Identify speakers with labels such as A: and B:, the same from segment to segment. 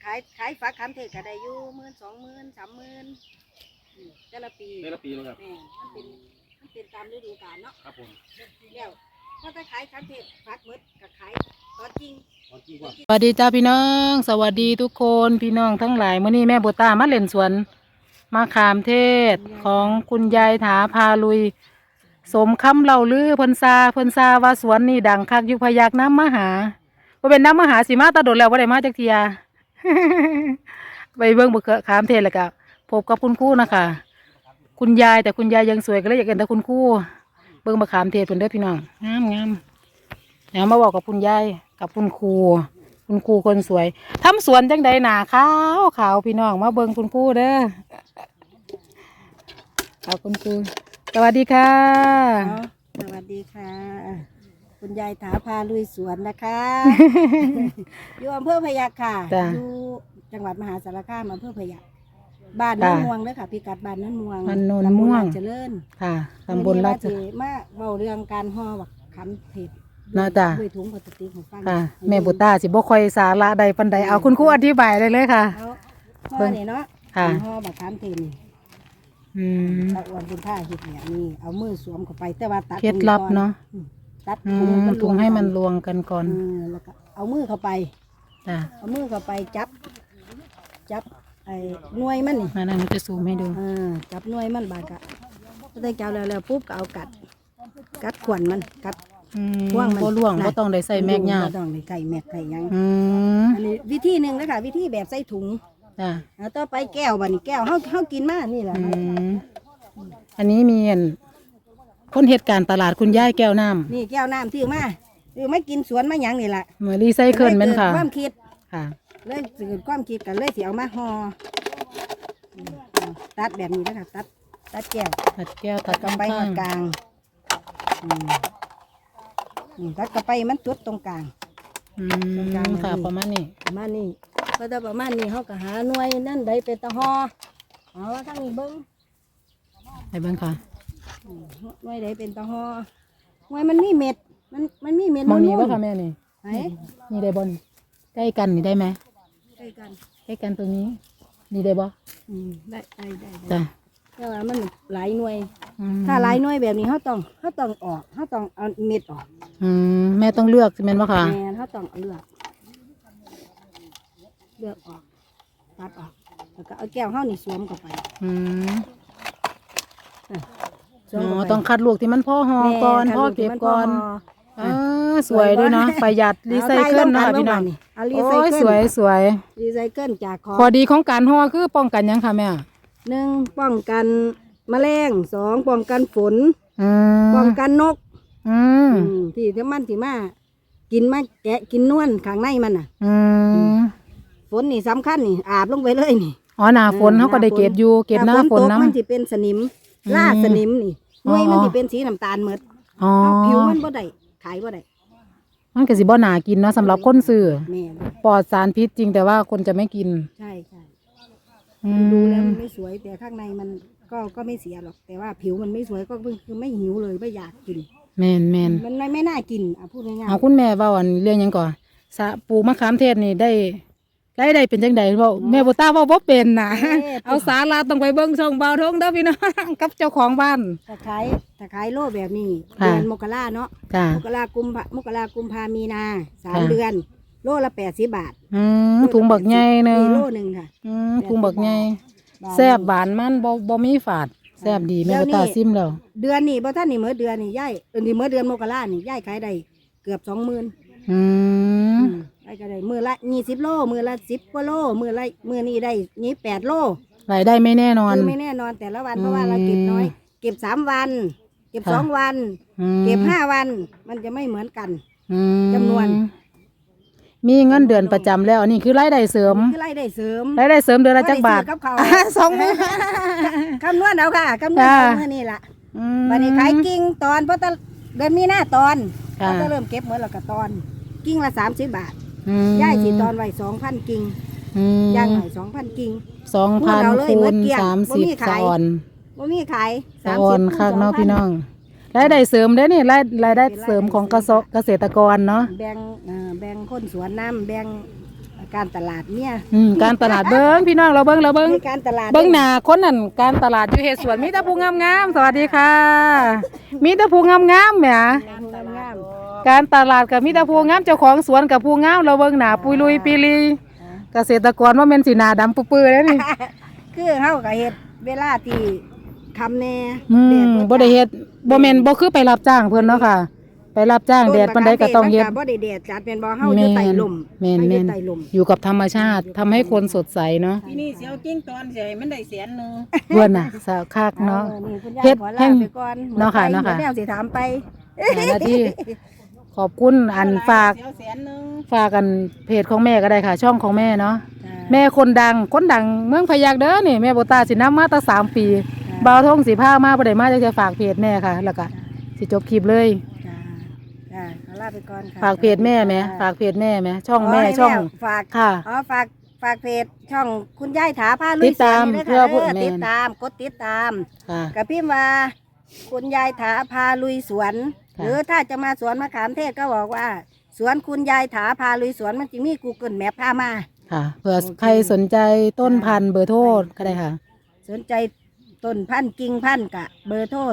A: ขายฝากคำเทศก็ได้อยู่10,000 20,000 30,000แต่ละปี
B: ครับ
A: แม่มันเป็นตามฤดูกาลเนาะ
B: ครับผม
A: แล้วถ้าขายคำเทศฝากหมดก็ขายตอนจริง
C: สวัสดีจ้าพี่น้องสวัสดีทุกคนพี่น้องทั้งหลายมื้อนี้แม่บัวตามาเล่นสวนมะขามเทศของคุณยายถาพาลุยสมคำเล่าลือเพิ่นซาว่าสวนนี่ดังคักอยู่พยักน้ำมหาบ่เป็นน้ำมหาสิมาตาโดดแล้วบ่ได้มาจักเทีย ไปเบิ่งมะขามเทศแล้วก็พบกับคุณครูนะคะคุณยายแต่คุณยายยังสวยก็เลยอยากเห็นแต่คุณครูเบิ่งมะขามเทศเพิ่นเด้อพี่น้องงามแล้วมาบอกกับคุณยายกับคุณครูคนสวยทำสวนจังใดหนาขาวพี่น้องมาเบิ่งคุณครูเด้อเอาคุณครูสวัสดีค่ะ
A: สวัสดีค่ะคุณยายถาพาลุยสวนนะคะ อยู่อำเภอพยัคฆ์ค่ะอยู่จังหวัดมหาสารคามอำเภอพยัคฆ์บ้านโน้นม่วงเลยค่ะพิกัดบ้านโน้นม่วง
C: บ้านโน้นม่วง
A: เจริญ
C: ค่ะตำบลราช
A: มาเบาเรื่องการห่อบักขามเทศ
C: น่าจ้ะ
A: ด้วยถุงพลาสติกของฟัง
C: ค่ะแม่บุตาสิบ่ค่อยสาระใดปานใดเอาคุณครูอธิบายเลยค่ะ
A: ห่อนี่เนาะห่อบักขามเทศนี่ตะอ้วนคุณท่าเห็ดเนี่ยนี่เอามือสวมเข้าไปแต่ว่าตัด
C: เคล็ดลับเนาะ
A: ตัด
C: ถุงให้มันรวงกันก่อน
A: แล้วก็เอามือเข้าไปเอามือเข้าไปจับไอ้หน่วยมันนี่
C: มานั่นจะซูมให้ดู
A: จับหน่วยมันบาดกะก็ได้จับแล้วปุ๊บก็เอากัดขวัญมันกัด
C: ว่างมันบ่ล่วงบ่ต้องได้ใส่แม็กยา
A: บ่ต้องได้ไก่แม็กไก่ยังอันนี้วิธีหนึ่งนะคะวิธีแบบใส่ถุงต่อไปแก้วบัดนี้แก้วเฮากินมานี่แหละ
C: อันนี้มีคนเหตุการณ์ตลาดคุณยายแก้วน้ำ
A: นี่แก้วน้ำที่มาไม่กินสวนมาหยังนี่แหละ
C: เหมือนรีไซเคิลมันค่ะ
A: ความคิด
C: ค่ะ
A: เลยเกิดความคิดกันเลยสิเอามาห่อตัดแบบนี้นะคะตัดแก้วตัดกำไปหอดกลางตัดกระไปมันจุดตรงกลาง
C: ค่ะประมาณนี้
A: ก็จะประมาณนี้เขาก็หาหน่วยนั่นได้เป็นตะห่อเอาทั้งนี้เบิ้ง
C: ไปเบิ้งค่ะ
A: หน่วยได้เป็นตะห่อหน่วยมันมีเม็ดมันมีเม็ด
C: มองนี้ว่าค่ะแม่นี่
A: ไหน
C: นี่ได้บนใกล้กันนี่ได้ไหม
A: ใกล้
C: กันตรงนี้นี่ได้บ่
A: ได้
C: จ้ะ
A: แต่ว่ามันหลายหน่วยถ้าหลายหน่วยแบบนี้เขาต้องออกเขาต้องเอาเม็ดออก
C: แม่ต้องเลือกใช่ไหมค่ะ
A: แม่เขาต้องเลือกออกตัดออกแล้วก็เอาแก้วเข้านี่สวมเข้าไป
C: ต้องคัดลูกที่มันพ่อห่อก่อนพ่อเก็บก่อนสวยด้วยเนาะประหยัดรีไซเคิลนะพี่น้องโอ้ยสวย
A: รีไซเคิลจาก
C: ข้อดีของการห่อคือป้องกันยังค่ะแม่
A: 1ป้องกันแมลง2ป้องกันฝนป้องกันนกที่มากินมาแกะกินนวลข้างในมันน่ะฝนนี่สำคัญนี่อาบลงไปเลยนี่
C: หน้าฝนเขาก็ได้เก็บอยู่เก็บหน้าฝนนะ
A: มันจะเป็นสนิมล่าสนิมนี่หน่วยมันจะเป็นสีน้ำตาลหมดผิวมันบ่ได้ขายบ่ได้
C: มันก็สิบ่น่ากินเนาะสำหรับคนซื้อปลอดสารพิษจริงแต่ว่าคนจะไม่กิน
A: ใช่ดูแล้วมันไม่สวยแต่ข้างในมันก็ไม่เสียหรอกแต่ว่าผิวมันไม่สวยก็คือไม่หิวเลยไม่อยากกิน
C: แม่น
A: มันไม่น่ากินพูดง่าย
C: ๆคุณแม่ว่าวันเรื่องยังก่อนปลูกมะขามเทศนี่ได้เป็นจังใดบอกแม่บัวตาว่าบ่เป็นนะเอาสาระต้องไปเบิ่งช่องเบาทงเด้อพี่น้องกับเจ้าของบ้าน
A: ถ้าขายโลแบบนี้เดือนมกราเนาะมกรากุมภามีนา3 เดือนโลละ80 บาท
C: ถุงบักใหญ่นึง
A: โลนึงค่ะ
C: ถุงบักใหญ่แซ่บหวานมันบ่มีฝาดแซ่บดีแม่บัวตาซิมแล้ว
A: เดือนนี้บ่ท่านนี่มื้อเดือนนี่ย่ายนี่มื้อเดือนมกรานี่ย่ายขายได้เกือบ 20,000ได้ก็ได้มือละ20 โลมือละ10 กว่าโลมือนี้ได้8 โล
C: รายได้ไม่แน่นอน
A: ไม่แน่นอนแต่ละวันเพราะว่าเราเก็บน้อยเก็บ3 วันเก็บ2 วันเก็บ5 วันมันจะไม่เหมือนกันจำนวน
C: มีเงินเดือนประจำแล้วอันนี้คือรายได้เสริมเดือนละจักบาท
A: 2 มื้อคำนวณเอาค่ะคำนวณ2 มื้อนี่ล่ะวันนี้ขายกิ่งตอนเพราะเดือนมีนาตอนเราก็เริ่มเก็บเหมือนเราก็ตอนกิ่งละ30 บาทย่ายสิตอนไว้ 2,000 กิ่งย่างหน่อย 2,000 กิ่ง
C: 2,000 คูณ 30สะออน
A: บ่มีขาย
C: สะออนคักเนาะพี่น้องรายได้เสริมได้นี่รายได้เสริมของเกษตรกรเนาะ
A: แบ่งคนสวนน้ำแบ่งการตลาดเนี่ย
C: การตลาดเบิ้งพี่น้องเราเบิ้ง
A: มีการตลาด
C: เบิ้งหน้าคนนั่นการตลาดอยู่เฮ็ดสวนมีแต่ผู้งามๆสวัสดีค่ะ มีแต่ผู้งามๆแหม
A: การตลาด
C: การตลาดกับมีแต่ผู้งามเจ้าของสวนกับผู้งามเราเบิ่งหน้าปุยลุยปีลีเกษตรกรว่าแม่นสิหน้าดำปื้อๆแล้วนี่
A: คือเฮาก็เฮ็ดเวลาที่คำแน่
C: บ่ได้เฮ็ดบ่แม่นบ่คือไปรับจ้างเพิ่นเนาะค่ะ ไปรับจ้างแดดปานใดก็ต้องเฮ็ด
A: บ่ได้แดดจัดเป็นบ่เฮาอยู่ใต้ลม
C: แม่น
A: อยู่ใต้ลม
C: อยู่กับธรรมชาติทำให้คนสดใสเนาะ
B: ปีนี้เสียวกิ้งตอนเสียมันได้100,000นึง
C: เพิ่นน่ะสาวคักเนาะ
A: เฮ็
C: เฮ็
A: ด
C: ด
A: แห้
C: แห้
A: ง
C: ง
A: ไปก่อน
C: เนาะค่ะเนาะค่ะ
A: แนวสิถามไป
C: หน้าที่ขอบคุณอันฝาก
B: เสียว100,000นึง
C: ฝากกันเพจของแม่ก็ได้ค่ะ ช่องของแม่เนาะ แม่คนดังเมืองพะยัคฆ์เด้อนี่แม่โบตาสินำมาตั้ง3 ปีบ่าวทงสิพามาบ่ได้มาจะฝากเพจแม่ค่ะ แล้วก็สิจบคลิปเลย
A: จ้าขอลาไปก่อนค่ะ
C: ฝากเพจแม่ไหมฝากเพจแม่ไหมช่องแม่
A: ให้
C: ช่อง
A: ฝาก
C: ค่ะ
A: ฝากเพจช่องคุณยายถาพาลุ
C: ติ
A: ย
C: ดตาม
A: สวนนี่
C: เพื่อ
A: ด้
C: ผู้
A: ค่ะ
C: แม่
A: ติดตามกดติดตาม
C: ค่ะ
A: กับพิมพ์ว่าคุณยายถาพาลุยสวน
C: ค่ะ
A: หรือถ้าจะมาสวนมะขามเทศก็บอกว่า สวนคุณยายถาพาลุยสวนมันจะมี Google Map พามา
C: ค่ะเผื่อใครสนใจต้นพันธุ์เบอร์โทรก็ได้ค่ะ
A: สนใจต้นพันธุ์กิ่งพันธุ์กะเบอร์โทร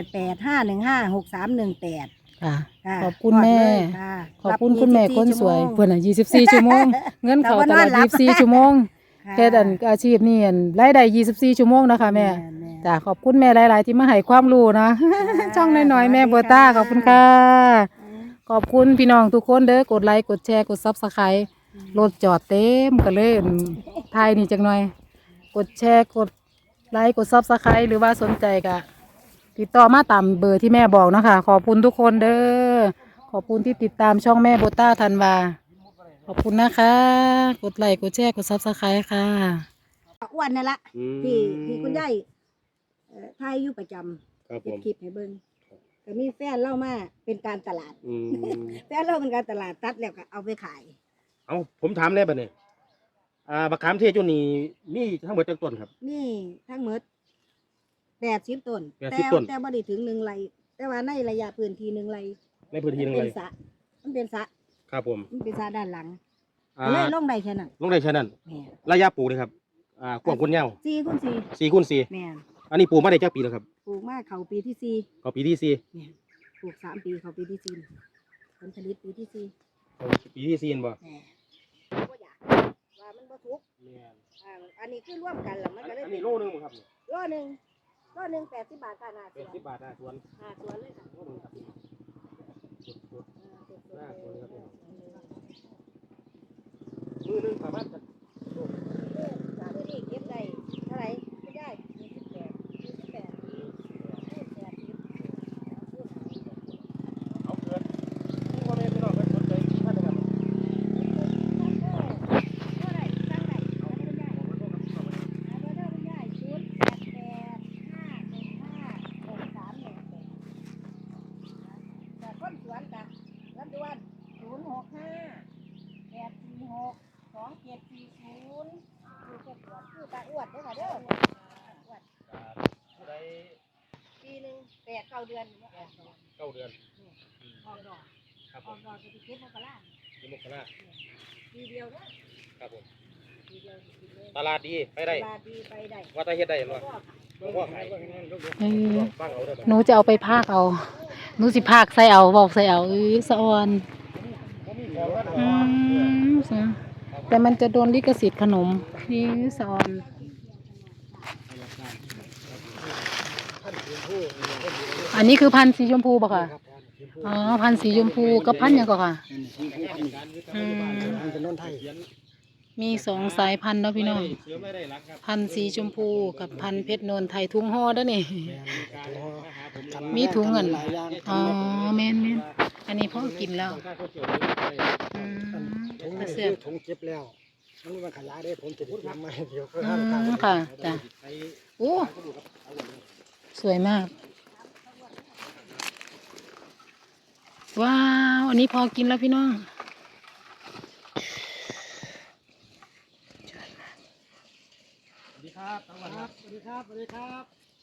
A: 0885156318
C: ค่ะ
A: ค่ะ
C: ขอบคุณแม่
A: ฮอดเลยค่ะ
C: ขอบคุณคุณแม่คนสวยเพื่อนอ่ะ24 ชั่วโมง เงินเขาตลอด
A: แต่ว่า
C: 24 ชั่วโมง
A: ค่ะ
C: แค่ดันอาชีพนี่อันรายได้24 ชั่วโมงนะคะแม่ จ้ะขอบคุณแม่หลาย ๆ ที่มาให้ความรู้นะ ช่องน้อยๆแม่โบต้าขอบคุณค่ะ ขอบคุณพี่น้องทุกคนเด้อกดไลค์กดแชร์กดซับสไครต์รถจอดเต็มกันเลยทายนี่จังหน่อย กดแชร์กดไลค์กดซับสไครต์หรือว่าสนใจก็ติดต่อมาตามเบอร์ที่แม่บอกเนาะคะขอบคุณทุกคนเด้อขอบคุณที่ติดตามช่องแม่โบต้าธันวาขอบคุณนะคะ กดไลค์กดแชร์กดซับสไครต์ค่ะ
A: อ้วนนั่นละที่คุณยายทายอยู่ประจ
D: ครับ
A: ำ
D: ผ
A: เก็บ
D: ม
A: คลิปให้เบิ่งก็มีแฟนเล่ามาเป็นการตลาด
D: อืม
A: แฟนเล่าเป็นการตลาดตัดแล้วก็เอาไปขาย
D: เอาผมถามได้ปะเนี่ยบักขามเทศจุนี่มีทั้งหมดจักต้นครับ
A: นี่ทั้งหมด80 ต้น
D: 80ต้น
A: แต่บ่ได้ถึง1 ไร่แต่ว่าในระยะพื้นที่1 ไร่
D: ในพื้นที่หนึง
A: เป็
D: เล
A: น
D: ย
A: สระมันเป็นสระ
D: ครับผม
A: ด้านหลัง
D: อ่า
A: เลยลงได้แค่นั้น
D: ลงได้แค่นั้น
A: แม่น
D: ระยะปลูกเลยครับกว้างคนยาว
A: 4คูณ
D: 4คูณ
A: 4แม่น
D: 4อันนี้ปลูกมาได้จักปีแล้วครับ
A: ปลูกมาเข้าปีที่
D: ก็ปีที่
A: 4แม่นปลูก3 ปีเข้าปีที่4ผลผลิตปีที่
D: 4เอาปีที่4เห็นบ่
A: 4แม่บ่อยากว่ามันบ่ทุกอันนี้คือร่วมกันแล้วมันก็เลย
D: อัน
A: เป็
D: นี้
A: น
D: โลนึงบ่ครับเนี่ย
A: โลหนึ่ง80 บาทค่ะหน้าสวน
D: 80 บาทหน้าสวน
A: หน้าสวนเลยค่ะ
D: โลนึงครับหน้าสวนครับมือหนึงประมาณจะ
A: มือนี้เก็บได้เท่าไหร่คุณยาย28
D: เอาเกินที่พ่อแม่พี่น้องเพิ่นสนใจที่ท่านนะครับ
A: คนสวนจ้ะรับด่วน065-846-2740คือเก็บสวนคือตาอ้วนเด้อค่ะเด้ออ้วน
D: ผู้ใด
A: ปีหนึง8-9 เดือนออกดอก
D: 9 เดือน
A: ออกดอก
D: ครับ
A: อ
D: ผ
A: อก
D: ม
A: ดอกจะเก็บมกรา
D: ที่มุกนา
A: ปีเดียวเด้อ
D: ครับผม
A: ปีเดียวกินเลย
D: ตลาดดีไปได้
A: ตลาดดีไปได้
D: ว่าแตาเฮ็ดได้เห็นบ่
A: ก็ค่ะ
D: หลวงพ่อขาย ฟังเอาเด้อ
C: หนูจะเอาไปพากเอา หนูสิพากใส่เอาบอกใส่เอาสะออนแต่มันจะโดนลิขสิทธิ์ขนมนี่สะออน อันนี้คือพันธุ์สีชมพูป่ะค่ะอ๋อพันธุ์สีชมพูกับพันธุ์หยังก่อนค่ะอืมมี2 สายพันธุ์เนาะพี่น้อง พันธุ์สีชมพูกับพันธุ์เพชรโนนไทยทุ่งห่อเด้อนี่ มีถุงเงินอ๋อแม่นอันนี้พ่อกินแล้วอืม
E: ถุง
C: กระ
E: นี้
C: เสือก
E: ถุงเก็บแล้วมันมีมันขยายได้ผมจะได้ทำมาเดียวก็
C: อื
E: ห้าม
C: มค่ะจ้ะโอ้สวยมาก ว้าวอันนี้พอกินแล้วพี่น้อง
D: สวัสดีครับสวัสดีครับ
E: สวัสดีครับสวัสดีครับ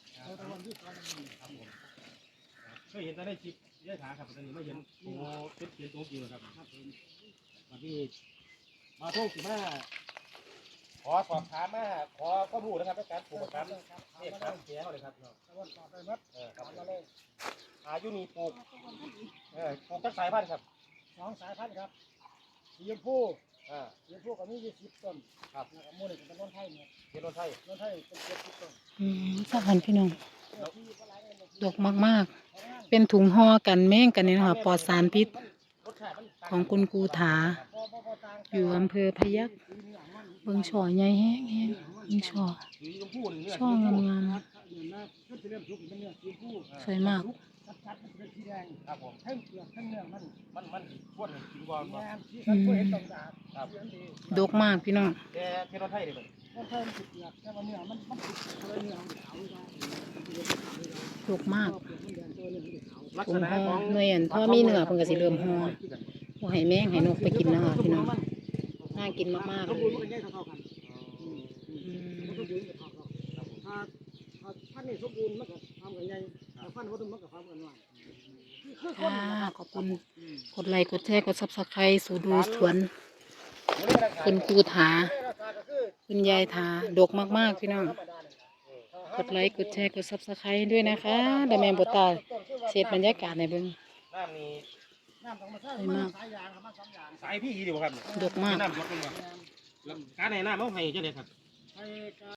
D: เคยเห็นแต่ในคลิปเยอะขาครับตอนนี้ไม่เห็นโอ้เป็นตัวจริงครับวันนี้มาโทษสิมาขอสอบถามมาขอข้อมูลนะครับในการปลูกมะขามนี่มะขามเขียวเลยครับเนาะ
E: ตะวันตอบไปมัด
D: ครับ
E: มาเลย
D: อายุนี่ปลูกปลูกจักสายพันธุ์ครับ
E: 2 สายพันธุ์ครับสีชมพู สีชมพูก็มี20 ต้น
D: ครับ
E: แล้วก็มูนี่เป็นต้นไทยเนี่ย
D: เยนโนไทย
E: ต้นไทยเป็น70 ต้น
C: สักพันพี่น้องดกมากๆ เป็นถุงห่อกันแม่งกันนี่นะคะปลอดสารพิษ
D: รสชาติมันต่าง
C: ของคุณครูถา อยู่อำเภอพยัคฆ์เบิ่งช่อใหญ่แห้งแห้งเบิ่งช่อ
D: สีชมพูนี่เนื้อ
C: ช่องาม
E: เนื้อนะขึ้นไปเริ่มสุกเป็นเนื้อสีชมพู
C: ๆสวยมาก
E: ชัดๆมันเป็นสีแดง
D: ครับผม
E: ทั้งเปลือกทั้งเนื้อมัน
D: มันควรกินก่อน
E: แม
D: บ่
E: นสีสันก็เห็นตรงดาบ
D: ครับ
E: เสียงดี
C: ดกมากพี่น้อง
D: แต่เยนโนไทยนี่เป็น
E: ต้นไทยมันติดเปลือกแต่ว่าเนื้อมันติดอะไรเนื้อมันขาวได้
C: ดกมาก
E: เปลือกมันแดงตัวเนื้อมันขาว
D: ลัก
C: ถุ
D: ษ
C: ง
D: ณะ
C: ห่อ
D: ของ
C: หน่วยอันพอมีเนื้อเพิ่นก็สิเริ่มห่อบ่ให้แมงให้นกไปกินนะคะพี่น้องน่ากินมากๆ
E: ส
C: เล
E: มบูร
C: ย
E: ณ์มันก็ใหญ่เท่าๆกันมันสมบูรณ์ก็เท่าๆถ้าพันธุ์นี่สมบูรณ์มันก็ทำกันใหญ่ถ้าพันธุ์บ่สมบูรณ์มันก็ทำกันน้อยคือคน
C: ค่ะขอบคุณกดไลค์กดแชร์กด Subscribe สู่ดูสวนคุณครูถา คุณยายถาดกมากๆพี่น้องกดไลค์กดแชร์กด Subscribe ด้วยนะคะเดี๋ยวแม่บตาเสร็จบรรยากาศในเบิ่ง
D: น้ำนี่
E: น้ำต้องมาใช้
C: สวยมาก
E: สายยางครับมา2อย่าง
D: สายพี่ดีบ่ครับ
C: ดกมาก
D: น้ำสดเป็นบ่แล้วการให้น้ำเอาให้จังได๋ครับ
E: ให้